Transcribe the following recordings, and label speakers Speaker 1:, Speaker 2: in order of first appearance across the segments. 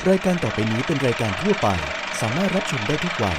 Speaker 1: รายการต่อไปนี้เป็นรายการทั่วไปสามารถรับชมได้ทุกวัย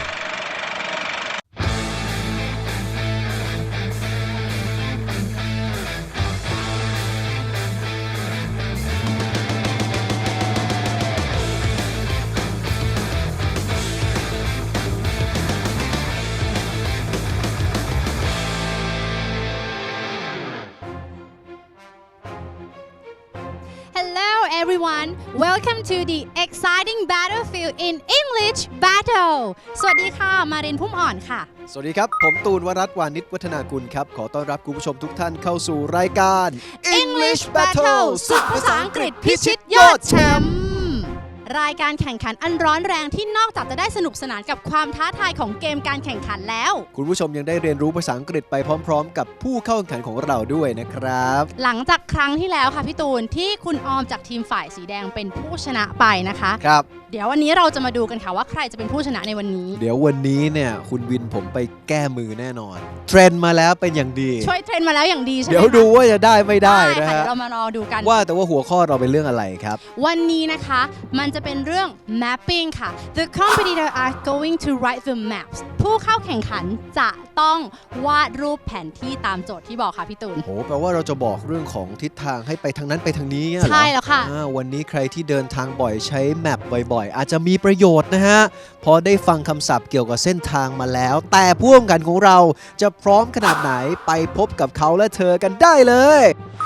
Speaker 2: Everyone, welcome to the exciting battlefield in English battle สวัสดีค่ะมารินพุ่มอ่อนค่ะ
Speaker 3: สวัสดีครับผมตูนวรัตน์วานิชวัฒนากุลครับขอต้อนรับคุณผู้ชมทุกท่านเข้าสู่รายการ
Speaker 2: English battle ศึกภาษาอังกฤษพิชิตยอดแชมป์รายการแข่งขันอันร้อนแรงที่นอกจากจะได้สนุกสนานกับความท้าทายของเกมการแข่งขันแล้ว
Speaker 3: คุณผู้ชมยังได้เรียนรู้ภาษาอังกฤษไปพร้อมๆกับผู้เข้าแข่งขันของเราด้วยนะครับ
Speaker 2: หลังจากครั้งที่แล้วค่ะพี่ตูนที่คุณออมจากทีมฝ่ายสีแดงเป็นผู้ชนะไปนะคะ
Speaker 3: ครับ
Speaker 2: เดี๋ยววันนี้เราจะมาดูกันค่ะว่าใครจะเป็นผู้ชนะในวันนี้
Speaker 3: เดี๋ยววันนี้เนี่ยคุณวินผมไปแก้มือแน่นอนเทรนมาแล้วเป็นอย่างดี
Speaker 2: ช่วยเทรนมาแล้วอย่างดีใช่ไหม
Speaker 3: เดี๋ยวดูว่าจะได้ไม่ได้นะฮะ
Speaker 2: เรามารอดูกัน
Speaker 3: ว่าแต่ว่าหัวข้อเราเป็นเรื่องอะไรครับ
Speaker 2: วันนี้นะคะมันจะเป็นเรื่อง mapping ค่ะ The competitor are going to write the maps ผู้เข้าแข่งขันจะต้องวาดรูปแผนที่ตามโจทย์ที่บอกค่ะพี่ตูน
Speaker 3: โหแปลว่าเราจะบอกเรื่องของทิศทางให้ไปทางนั้นไปทางนี้
Speaker 2: ใช่แล้วค่ะ
Speaker 3: วันนี้ใครที่เดินทางบ่อยใช้แมปบ่อยๆอาจจะมีประโยชน์นะฮะพอได้ฟังคำศัพท์เกี่ยวกับเส้นทางมาแล้วแต่ผู้แข่งขันของเราจะพร้อมขนาดไหนไปพบกับเขาและเธอกันได้เลย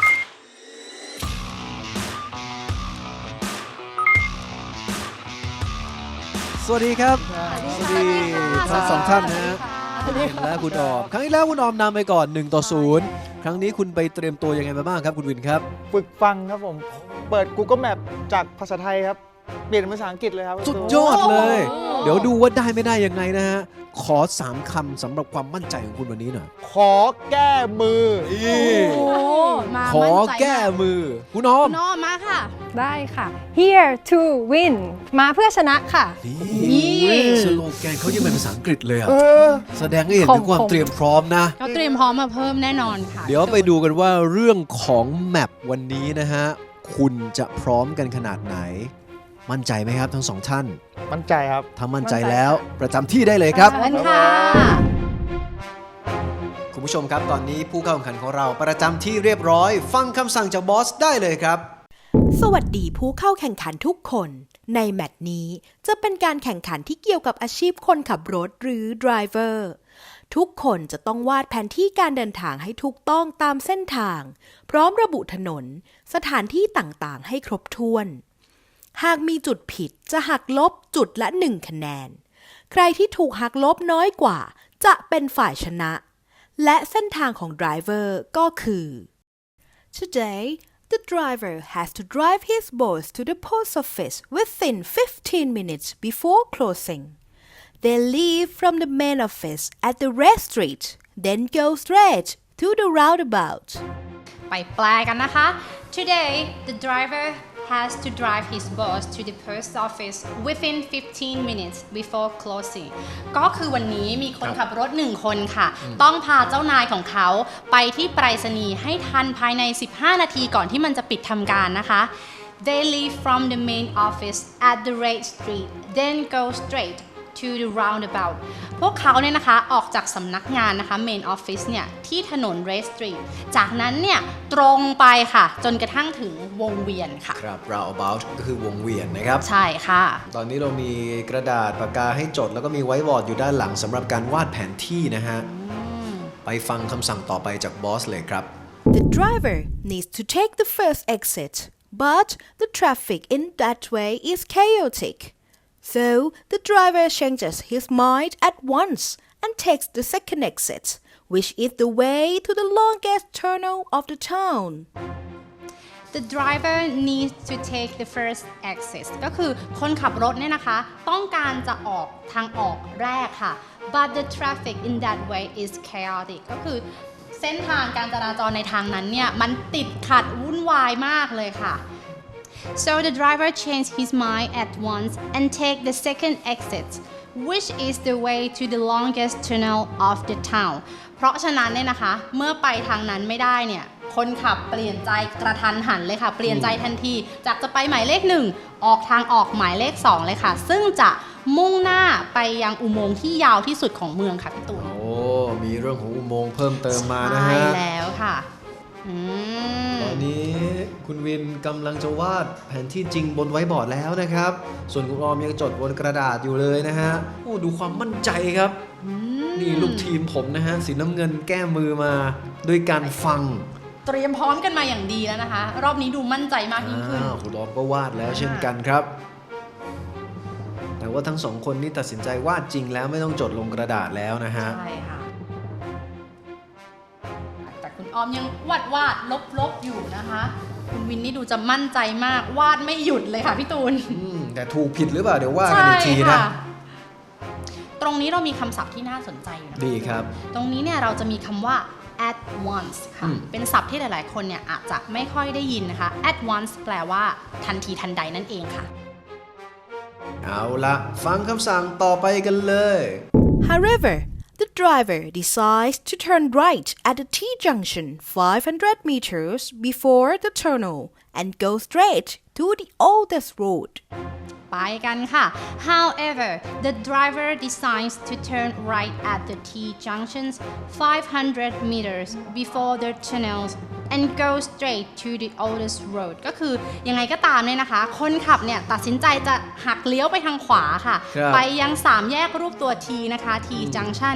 Speaker 3: สวัสดีครับสวัสดีทั้งสองท่านนะฮะคุณวินและคุณออมครั้งที่แล้วคุณออมนำไปก่อน1-0ครั้งนี้คุณไปเตรียมตัวยังไงมาบ้างครับคุณวินครับ
Speaker 4: ฝึกฟังครับผมเปิด Google Map จากภาษาไทยครับเปลี่ยนเป็นภาษาอังกฤษเลยครับ
Speaker 3: สุดยอดเลยเดี๋ยวดูว่าได้ไม่ได้ยังไงนะฮะขอ3คำสำหรับความมั่นใจของคุณวันนี้หน่อย
Speaker 4: ขอแก้มือ
Speaker 3: ขอแก้มือคุณออม
Speaker 2: มาค่ะ
Speaker 5: ได้ค่ะ here to win มาเพื่อชนะค่ะ
Speaker 3: นี่สโลแกนเขายังเป็นภาษาอังกฤษเลยอ่ะแสดงให้เห็นถึงความเตรียมพร้อมนะ
Speaker 2: เขาเตรียมพร้อมมาเพิ่มแน่นอนค่ะ
Speaker 3: เดี๋ยวไปดูกันว่าเรื่องของแมปวันนี้นะฮะคุณจะพร้อมกันขนาดไหนมั่นใจไหมครับทั้งสองท่าน
Speaker 4: มั่นใจครับ
Speaker 3: ถ้ามั่นใจแล้วประจำที่ได้เลยครับ
Speaker 2: ค่ะ
Speaker 3: คุณผู้ชมครับตอนนี้ผู้เข้าแข่งขันของเราประจำที่เรียบร้อยฟังคำสั่งจากบอสได้เลยครับ
Speaker 6: สวัสดีผู้เข้าแข่งขันทุกคนในแมตช์นี้จะเป็นการแข่งขันที่เกี่ยวกับอาชีพคนขับรถหรือ driver ทุกคนจะต้องวาดแผนที่การเดินทางให้ถูกต้องตามเส้นทางพร้อมระบุถนนสถานที่ต่างๆให้ครบถ้วนหากมีจุดผิดจะหักลบจุดละ1คะแนนใครที่ถูกหักลบน้อยกว่าจะเป็นฝ่ายชนะและเส้นทางของ driver ก็คือ Today the driver has to drive his boss to the post office within 15 minutes before closing. They leave from the main office at the red street, then go straight to the roundabout.
Speaker 2: ไปแปลกันนะคะ Today the driver has to drive his boss to the post office within 15 minutes before closing ก็คือวันนี้มีคนขับรถ1คนค่ะต้องพาเจ้านายของเขาไปที่ไปรษณีย์ให้ทันภายใน15นาทีก่อนที่มันจะปิดทำการนะคะ They leave from the main office at the Red Street then go straight to the roundabout พวกเขาเนี่ยนะคะออกจากสำนักงานนะคะ main office เนี่ยที่ถนน Red Street จากนั้นเนี่ยตรงไปค่ะจนกระทั่งถึงวงเวียนค่ะ
Speaker 3: ครับ roundabout ก็คือวงเวียนนะครับ
Speaker 2: ใช่ค่ะ
Speaker 3: ตอนนี้เรามีกระดาษปากกาให้จดแล้วก็มีไวท์บอร์ดอยู่ด้านหลังสำหรับการวาดแผนที่นะฮะไปฟังคำสั่งต่อไปจากบอสเลยครับ
Speaker 6: The driver needs to take the first exit but the traffic in that way is chaotic.So the driver changes his mind at once and takes the second exit, which is the way to the longest tunnel of the town.
Speaker 2: The driver needs to take the first exit ก็คือคนขับรถเนี่ยนะคะต้องการจะออกทางออกแรกค่ะ but the traffic in that way is chaotic ก็คือเส้นทางการจราจรในทางนั้นเนี่ยมันติดขัดวุ่นวายมากเลยค่ะSo the driver changed his mind at once and take the second exit, which is the way to the longest tunnel of the town. เพราะฉะนั้นเนี่ยนะคะเมื่อไปทางนั้นไม่ได้เนี่ยคคนขับเปลี่ยนใจกระทันหันเลยค่ะ เปลี่ยนใจทันทีจากจะไปหมายเลข1ออกทางออกหมายเลข2เลยค่ะซึ่งจะมุ่งหน้าไปยังอุโมงค์ที่ยาวที่สุดของเมืองค่ะพี่ตูน
Speaker 3: โอ้มีเรื่องของอุโมงค์เพิ่มเติมมานะฮะ
Speaker 2: ใช่แล้วค่ะ
Speaker 3: ตอนนี้คุณวินกำลังจะวาดแผนที่จริงบนไว้บอร์ดแล้วนะครับ ส่วนคุณออมยังจดบนกระดาษอยู่เลยนะฮะโอ้ดูความมั่นใจครับนี่ลูกทีมผมนะฮะสีน้ำเงินแก้มือมาด้วยการฟัง
Speaker 2: เตรียมพร้อมกันมาอย่างดีแล้วนะคะ รอบนี้ดูมั่นใจมากยิ่งขึ้น
Speaker 3: คุณออมก็วาดแล้วเช่นกันครับ แต่ว่าทั้งสองคนนี่ตัดสินใจวาดจริงแล้วไม่ต้องจดลงกระดาษแล้วนะฮะ
Speaker 2: ใช่ค่ะแต่คุณออมยังวาดลบอยู่นะคะ คุณวินนี่ดูจะมั่นใจมากวาดไม่หยุดเลยค่ะพี่ตูน
Speaker 3: แต่ถูกผิดหรือเปล่าเดี๋ยวว่ากันอีกทีนะ
Speaker 2: ตรงนี้เรามีคำศัพท์ที่น่าสนใจอยู่นะ
Speaker 3: ดีครับ
Speaker 2: ตรงนี้เนี่ยเราจะมีคำว่า at once ค่ะ เป็นศัพท์ที่หลายๆคนเนี่ยอาจจะไม่ค่อยได้ยินนะคะ at once แปลว่าทันทีทันใดนั่นเองค่ะ
Speaker 3: เอาละฟังคำสั่งต่อไปกันเลย
Speaker 6: However, the driver decides to turn right at the T-junction 500 meters before the tunnel and go straight to the oldest road.
Speaker 2: ไปกันค่ะ However, the driver decides to turn right at the T-junctions 500 meters before the tunnels and go straight to the oldest road ก็คือยังไงก็ตามเนี่ยนะคะ คนขับเนี่ยตัดสินใจจะหักเลี้ยวไปทางขวาค่ะ ไปยัง3แยกรูปตัว T นะคะ T-junction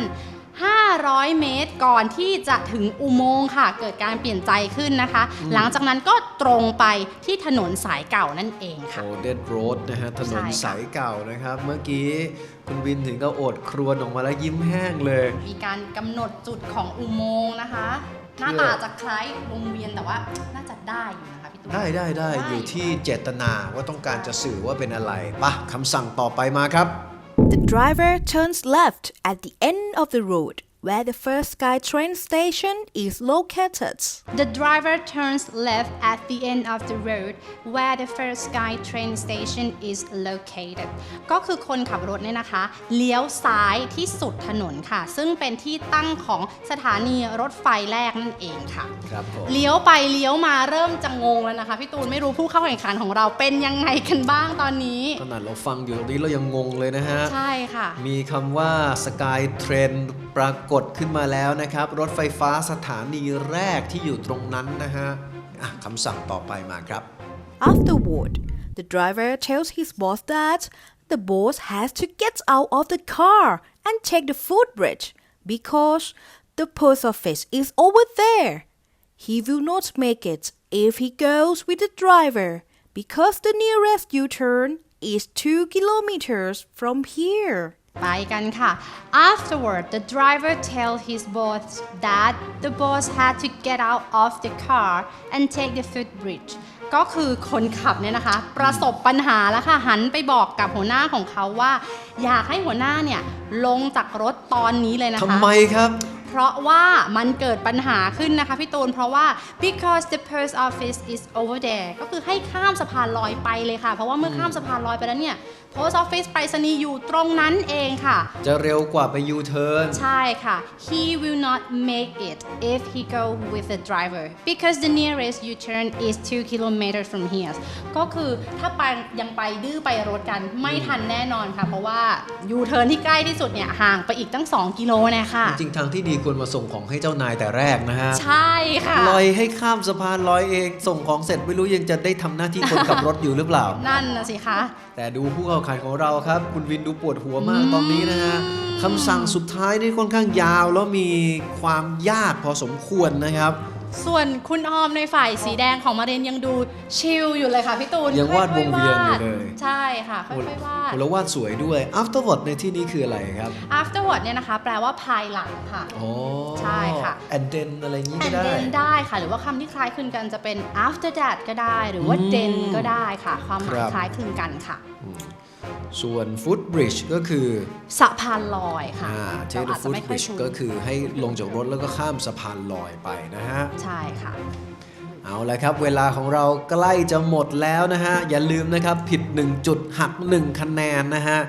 Speaker 2: 500 เมตรก่อนที่จะถึงอุโมงค์ค่ะ เกิดการเปลี่ยนใจขึ้นนะคะ หลังจากนั้นก็ตรงไปที่ถนนสายเก่านั่นเองค่ะ
Speaker 3: Oldest Road นะฮะถนนสายเก่านะครับ เมื่อกี้คุณวินถึงก็โอดครวญออกมาแล้วยิ้มแห้งเลย
Speaker 2: มีการกำหนดจุดของอุโมงค์นะคะ หน้าตาจะคล้ายวงเวียนแต่ว่าน่าจะได้อยู่นะคะพี่ตุ้ม
Speaker 3: ได้อยู่ที่เจตนาว่าต้องการจะสื่อว่าเป็นอะไรปะคำสั่งต่อไปมาครับ
Speaker 6: The driver turns left at the end of the road where the first SkyTrain station is located.
Speaker 2: The driver turns left at the end of the road where the first SkyTrain station is located ก็คือคนขับรถเนี่ยนะคะ เลี้ยวซ้ายที่สุดถนนค่ะ ซึ่งเป็นที่ตั้งของสถานีรถไฟแรกนั่นเองค่ะ
Speaker 3: ครับผม
Speaker 2: เลี้ยวไปเลี้ยวมาเริ่มจะงงแล้วนะคะพี่ตูนไม่รู้ผู้เข้าแข่งขันของเราเป็นยังไงกันบ้างตอนนี้
Speaker 3: ขนาดเราฟังอยู่ตรงนี้เรายังงงเลยนะฮะ
Speaker 2: ใช่ค่ะ
Speaker 3: มีคำว่า SkyTrain ปรากฏขึ้นมาแล้วนะครับ รถไฟฟ้าสถานีแรกที่อยู่ตรงนั้นนะฮะคำสั่งต่อไปมาครับ
Speaker 6: Afterward, the driver tells his boss that the boss has to get out of the car and take the footbridge because the post office is over there. He will not make it if he goes with the driver because the nearest U-turn is 2 kilometers from here.
Speaker 2: ไปกันค่ะ Afterward, the driver tells his boss that the boss had to get out of the car and take the footbridge ก็คือคนขับเนี่ยนะคะ ประสบปัญหาแล้วค่ะ หันไปบอกกับหัวหน้าของเขาว่า อยากให้หัวหน้าเนี่ยลงจากรถตอนนี้เลยนะคะ
Speaker 3: ทำไมครับ
Speaker 2: เพราะว่ามันเกิดปัญหาขึ้นนะคะพี่ตูนเพราะว่า because the post office is over there ก็คือให้ข้ามสะพานลอยไปเลยค่ะ เพราะว่าเมื่อข้ามสะพานลอยไปแล้วเนี่ย post office ไปรษณีย์อยู่ตรงนั้นเองค่ะ
Speaker 3: จะเร็วกว่าไป U-turn
Speaker 2: ใช่ค่ะ he will not make it if he go with the driver because the nearest U-turn is 2 kilometers from here ก็คือถ้าไปยังไปดื้อไปรถกันไม่ทันแน่นอนค่ะเพราะว่า U-turn ที่ใกล้ที่สุดเนี่ยห่างไปอีกตั้ง2กิโลนะคะ
Speaker 3: จริงๆทางที่ดีควรมาส่งของให้เจ้านายแต่แรกนะฮะ
Speaker 2: ใช่ค่ะ
Speaker 3: ลอยให้ข้ามสะพานลอยเองส่งของเสร็จไม่รู้ยังจะได้ทำหน้าที่คนขับรถอยู่หรือเปล่า
Speaker 2: นั่นนะสิคะ
Speaker 3: แต่ดูผู้เข้าแข่งขันของเราครับ คุณวินดูปวดหัวมากตอนนี้นะฮะคำสั่งสุดท้ายนี่ค่อนข้างยาวแล้วมีความยากพอสมควรนะครับ
Speaker 2: ส่วนคุณออมในฝ่ายสีแดงของมาเรนยังดูชิลอยู่เลยค่ะพี่ตูน
Speaker 3: ยังวาดวงเวียนอยู่เลย
Speaker 2: ใช่ค่ะค่อยๆวาด
Speaker 3: แล้ววาดสวยด้วย afterward ในที่นี้คืออะไรครับ
Speaker 2: afterward เนี่ยนะคะแปลว่าภายหลังค่ะ
Speaker 3: อ๋อ
Speaker 2: ใช่ค่ะ
Speaker 3: and then อะไรอย่างนี้ก็
Speaker 2: and
Speaker 3: ได้
Speaker 2: then ได้ค่ะ หรือว่าคำที่คล้ายคลึงกันจะเป็น after that ก็ได้ หรือว่า then ก็ได้ค่ะ ความหมายคล้ายคลึงกันค่ะ
Speaker 3: ส่วน footbridge ก็คือ
Speaker 2: สะพานลอยค่ะ
Speaker 3: take the
Speaker 2: เราอาจจะไม่ค่อย
Speaker 3: footbridge
Speaker 2: คุ้น
Speaker 3: ก็คือให้ลงจากรถแล้วก็ข้ามสะพานลอยไปนะฮะ
Speaker 2: ใช่ค่ะ
Speaker 3: เอาละครับเวลาของเราใกล้จะหมดแล้วนะฮะอย่าลืมนะครับผิด1จุดหัก1คะแนนนะฮะ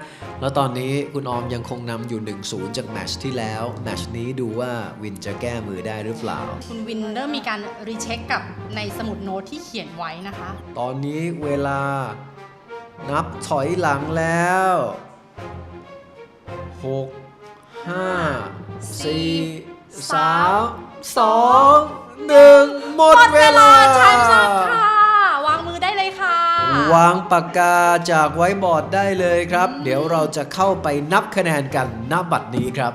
Speaker 3: แล้วตอนนี้คุณออมยังคงนำอยู่ 1-0 จากแมตช์ที่แล้ว แมตช์นี้ดูว่าวินจะแก้มือได้หรือเปล่า
Speaker 2: คุณวินเริ่มมีการรีเช็คกับในสมุดโน้ตที่เขียนไว้นะคะ
Speaker 3: ตอนนี้เวลานับถอยหลังแล้ว 6 5 4 3 2 1 หมดเวลา
Speaker 2: ใช่ค่ะ วางมือได้เลยค่ะ
Speaker 3: วางปากกาจากไว้บอร์ดได้เลยครับ เดี๋ยวเราจะเข้าไปนับคะแนนกันณบัดนี้ครับ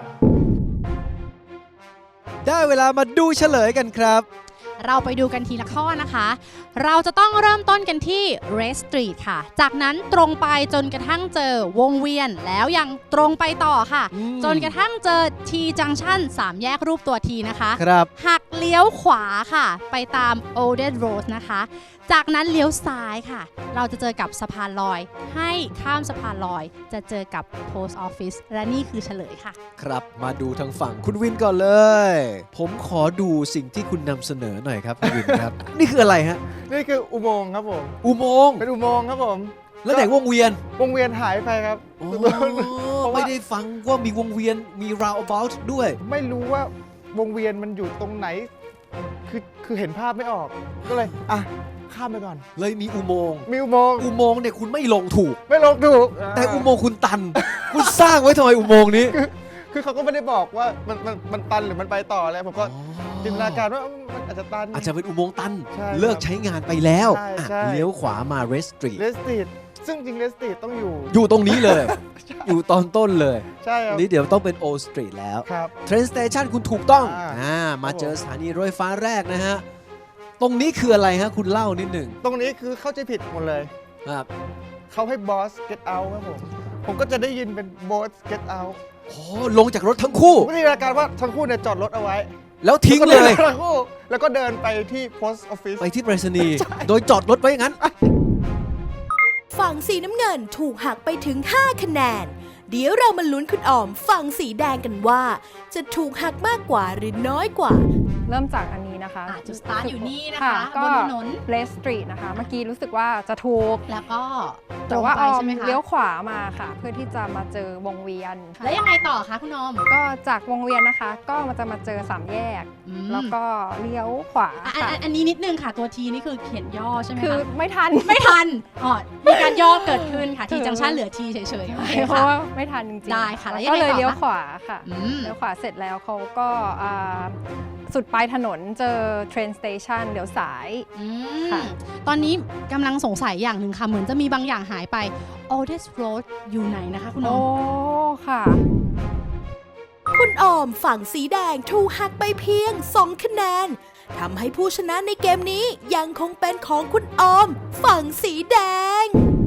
Speaker 3: ได้เวลามาดูเฉลยกันครับ
Speaker 2: เราไปดูกันทีละข้อนะคะ เราจะต้องเริ่มต้นกันที่ Red Street ค่ะ จากนั้นตรงไปจนกระทั่งเจอวงเวียน แล้วยังตรงไปต่อค่ะ จนกระทั่งเจอ T Junction 3 แยกรูปตัว T นะคะ
Speaker 3: ครับ
Speaker 2: หักเลี้ยวขวาค่ะ ไปตาม Olded Road นะคะ จากนั้นเลี้ยวซ้ายค่ะ เราจะเจอกับสะพานลอย ให้ข้ามสะพานลอย จะเจอกับ Post Office และนี่คือเฉลยค่ะ
Speaker 3: ครับมาดูทางฝั่งคุณวินก่อนเลย ผมขอดูสิ่งที่คุณนำเสนอหน่อยครับคุณวินครับ นี่คืออะไรฮะ
Speaker 4: นี่คืออุโมงค์ครับผม
Speaker 3: อุโมงค์
Speaker 4: เป็นอุโมงค์ครับผม
Speaker 3: แล้วไหนวงเวียน
Speaker 4: วงเวียนหายไปครับ
Speaker 3: โอ้
Speaker 4: เพราะว่า
Speaker 3: ไม่ได้ฟังว่ามีวงเวียนมี roundabout ด้วย
Speaker 4: ไม่รู้ว่าวงเวียนมันอยู่ตรงไหน คือเห็นภาพไม่ออก ก็เลยข้ามไปก่อน
Speaker 3: เลยมีอุโมงค์
Speaker 4: มีอุโมงค์
Speaker 3: อุโมงค์เนี่ยคุณไม่ลงถูก
Speaker 4: ไม่ลงถูก
Speaker 3: แต่อุโมงค์คุณตัน คุณสร้างไว้ทำไมอุโมงค์นี้
Speaker 4: คือเขาก็ไม่ได้บอกว่ามันตันหรือมันไปต่ออะไรผมก็จินตนาการว่ามันอาจจะตัน
Speaker 3: อาจจะเป็นอุโมงค์ตัน
Speaker 4: ใช่ครับ
Speaker 3: เลิกใช้งานไปแล้ว
Speaker 4: ใช่
Speaker 3: อ่ะ
Speaker 4: ใช่
Speaker 3: เลี้ยวขวามา Red Street
Speaker 4: เลสตีดซึ่งจริงเลสตีดต้องอยู่
Speaker 3: อยู่ตรงนี้เลย อยู่ตอนต้นเลย
Speaker 4: ใช่ครับ
Speaker 3: นี่เดี๋ยวต้องเป็น Old Street แล้ว
Speaker 4: ครับ
Speaker 3: Train Station คุณถูกต้อง มา
Speaker 4: ครับผม
Speaker 3: เจอสถานีรถไฟฟ้าแรกนะฮะ ตรงนี้คืออะไรฮะ คุณเล่านิดหนึ่ง
Speaker 4: ตรงนี้คือเข้าใจผิดหมดเลย
Speaker 3: ครับ
Speaker 4: เขาให้บอส get out ครับผมก็จะได้ยินเป็นบอส get out
Speaker 3: โอ้ลงจากรถทั้งคู่
Speaker 4: ผมก็จินตนาการว่าทั้งคู่เนี่ยจอดรถเอาไว้
Speaker 3: แล้วทิ้งเลย
Speaker 4: ทั้งคู่แล้วก็เดินไปที่ post office
Speaker 3: ไปที่ไปรษณีย์โดยจอดรถไว้อย่างนั้น
Speaker 6: ฝั่งสีน้ำเงินถูกหักไปถึง 5 คะแนน เดี๋ยวเรามาลุ้นคุณออมฝั่งสีแดงกันว่า จะถูกหักมากกว่าหรือน้อยกว่า
Speaker 5: เริ่มจากอันนี้นะคะ
Speaker 2: จุดสตาร์ทอยู่นี่นะคะ
Speaker 5: ก็
Speaker 2: บนถนน
Speaker 5: เลสตรีทนะคะ เมื่อกี้รู้สึกว่าจะถูก
Speaker 2: แล้วก็ตร
Speaker 5: แต่
Speaker 2: ง
Speaker 5: ว่า
Speaker 2: ไป
Speaker 5: ออ
Speaker 2: ใช่
Speaker 5: ม
Speaker 2: ไหมคะ
Speaker 5: เลี้ยวขวามาค่ะ เพื่อที่จะมาเจอวงเวียน
Speaker 2: แล้วยังไงต่อคะคุณออม
Speaker 5: ก็จากวงเวียนนะคะ ก็มันจะมาเจอ3แยก
Speaker 2: อืม
Speaker 5: แล้วก็เลี้ยวขวา
Speaker 2: อ่ะ
Speaker 5: ค่ะ
Speaker 2: อันนี้นิดนึงค่ะตัวทีนี่คือเขียนย่อใช่ไหม
Speaker 5: คือ
Speaker 2: คะ
Speaker 5: ไม่ทัน
Speaker 2: ไม่ทันอ๋อมีการย่อเกิดขึ้นค่ะ ทีจังชันเหลือทีเฉยๆโอเค
Speaker 5: เพราะ
Speaker 2: ค่ะ
Speaker 5: ว่าไม่ทันจริงๆ
Speaker 2: ได้ค่ะแล้วยัง
Speaker 5: ก็
Speaker 2: ไง
Speaker 5: เลย
Speaker 2: ต่อคะ
Speaker 5: เลี้ยวขวาค่ะ
Speaker 2: อืม
Speaker 5: เลี้ยวขวาเสร็จแล้วเขาก็สุดปลายถนนเจอ train station เลี้ยวสาย
Speaker 2: อื
Speaker 5: ค่ะ
Speaker 2: มตอนนี้กำลังสงสัยอย่างหนึ่งค่ะ เหมือนจะมีบางอย่างหายไป Oldest Road อยู่ไหนนะคะคุณอ
Speaker 5: โอ้
Speaker 2: อม
Speaker 5: ค่ะ
Speaker 6: คุณออมฝั่งสีแดงถูกหักไปเพียง 2 คะแนนทำให้ผู้ชนะในเกมนี้ยังคงเป็นของคุณออม ฝั่งสีแดง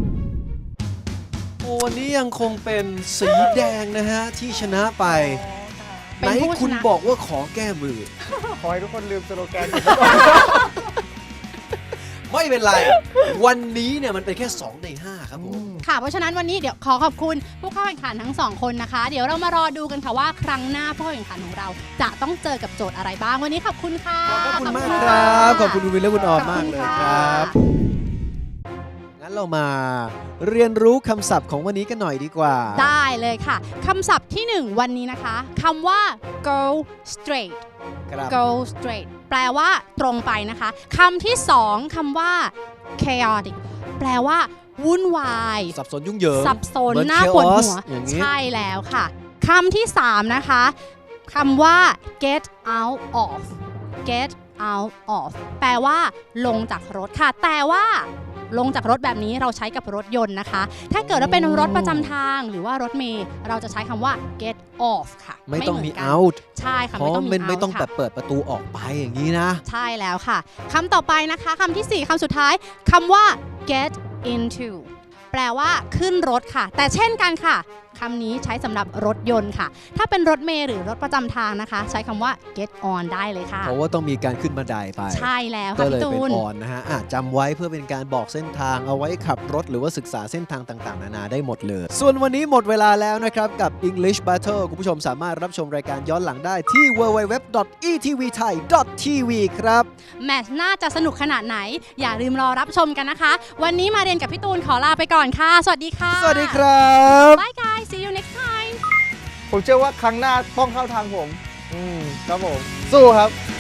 Speaker 3: โอ้วันนี้ยังคงเป็นสีแดงนะฮะ ที่ชนะไป
Speaker 2: เป็
Speaker 3: ไหน
Speaker 2: นผู้ชนะ
Speaker 3: คุณบอกว่าขอแก้มือ
Speaker 4: ขอให้ทุกคนลืมสโลแกน
Speaker 3: ไม่เป็นไร วันนี้เนี่ยมันเป็นแค่ 2 ใน 5 ครับผม
Speaker 2: ค่ะ เพราะฉะนั้นวันนี้เดี๋ยวขอขอบคุณผู้เข้าแข่งขันทั้ง 2 คนนะคะ เดี๋ยวเรามารอดูกันค่ะว่าครั้งหน้าผู้เข้าแข่งขันของเรา จะต้องเจอกับโจทย์อะไรบ้าง วันนี้ขอบคุณค่ะ
Speaker 3: ขอบคุณมากครับ ขอบคุณคุณวินและคุณออมมากเลยครับ งั้นเรามาเรียนรู้คำศัพท์ของวันนี้กันหน่อยดีกว่า
Speaker 2: ได้เลยค่ะคำศัพท์ที่ 1 วันนี้นะคะคำว่า go straight
Speaker 3: ครับ
Speaker 2: go straight แปลว่าตรงไปนะคะคำที่ 2คำว่า chaotic แปลว่าวุ่นวาย
Speaker 3: สับสนยุ่งเหยิง
Speaker 2: สับสน
Speaker 3: เหมือน
Speaker 2: น่าปวดหัว
Speaker 3: chaos อย่างนี้
Speaker 2: ใช่แล้วค่ะคำที่ 3 นะคะคำว่า get out of get out of แปลว่าลงจากรถค่ะ แต่ว่าลงจากรถแบบนี้เราใช้กับรถยนต์นะคะ ถ้าเกิดว่าเป็นรถประจำทางหรือว่ารถเมล์เราจะใช้คำว่า get off ค่ะ
Speaker 3: ไม่ต้องมี
Speaker 2: เหนกัน
Speaker 3: out
Speaker 2: ใช่ค่ะ
Speaker 3: เพราะ
Speaker 2: ไม่ต้องมี
Speaker 3: มันไม่
Speaker 2: out
Speaker 3: ต้อง
Speaker 2: ค่ะ
Speaker 3: แบบเปิดประตูออกไปอย่างนี้นะ
Speaker 2: ใช่แล้วค่ะคำต่อไปนะคะคำที่ 4คำสุดท้ายคำว่า get into แปลว่าขึ้นรถค่ะ แต่เช่นกันค่ะคำนี้ใช้สำหรับรถยนต์ค่ะ ถ้าเป็นรถเมล์หรือรถประจำทางนะคะ ใช้คำว่า get on ได้เลยค่ะ
Speaker 3: เพราะว่าต้องมีการขึ้นบันไดไป
Speaker 2: ใช่แล้ว
Speaker 3: ก็
Speaker 2: ค่ะ
Speaker 3: เลย
Speaker 2: พี่ตู
Speaker 3: เป็น
Speaker 2: น
Speaker 3: ออนนะฮะจำไว้เพื่อเป็นการบอกเส้นทางเอาไว้ขับรถหรือว่าศึกษาเส้นทางต่างๆ นานาได้หมดเลย ส่วนวันนี้หมดเวลาแล้วนะครับกับ English Battle คุณผู้ชมสามารถรับชมรายการย้อนหลังได้ที่ www.etvthai.tv ครับ
Speaker 2: แมตช์น่าจะสนุกขนาดไหน อย่าลืมรอรับชมกันนะคะ วันนี้มาเรียนกับพี่ตูนขอลาไปก่อนค่ะ สวัสดีค่ะ
Speaker 3: สวัสดีครับ
Speaker 2: Bye guys see you
Speaker 4: ผมเชื่อว่าครั้งหน้าต้องเข้าทางผม ครับผม สู้ครับ